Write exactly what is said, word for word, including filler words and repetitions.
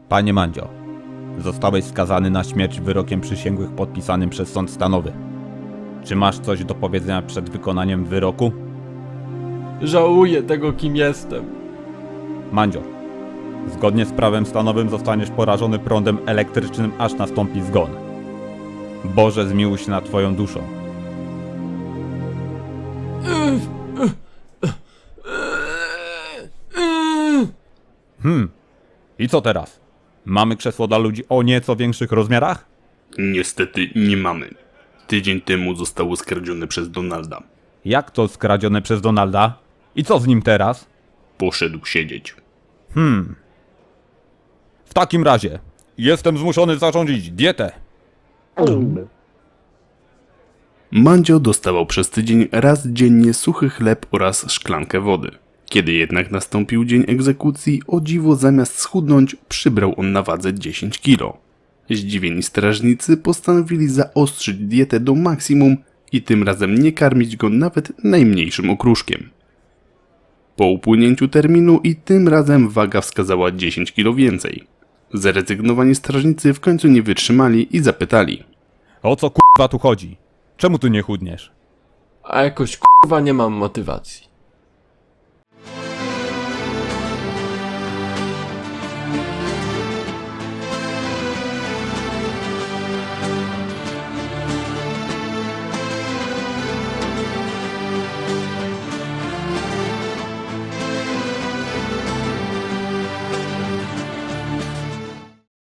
Panie Mandzio, zostałeś skazany na śmierć wyrokiem przysięgłych podpisanym przez sąd stanowy. Czy masz coś do powiedzenia przed wykonaniem wyroku? Żałuję tego, kim jestem. Mandzio, zgodnie z prawem stanowym zostaniesz porażony prądem elektrycznym, aż nastąpi zgon. Boże, zmiłuj się nad twoją duszą. Hmm, i co teraz? Mamy krzesło dla ludzi o nieco większych rozmiarach? Niestety nie mamy. Tydzień temu zostało skradzione przez Donalda. Jak to skradzione przez Donalda? I co z nim teraz? Poszedł siedzieć. Hmm. W takim razie, jestem zmuszony zarządzić dietę. Mandzio dostawał przez tydzień raz dziennie suchy chleb oraz szklankę wody. Kiedy jednak nastąpił dzień egzekucji, o dziwo zamiast schudnąć, przybrał on na wadze dziesięć kilo. Zdziwieni strażnicy postanowili zaostrzyć dietę do maksimum i tym razem nie karmić go nawet najmniejszym okruszkiem. Po upłynięciu terminu i tym razem waga wskazała dziesięć kilo więcej. Zrezygnowani strażnicy w końcu nie wytrzymali i zapytali: O co kurwa tu chodzi? Czemu tu nie chudniesz? A jakoś kurwa nie mam motywacji.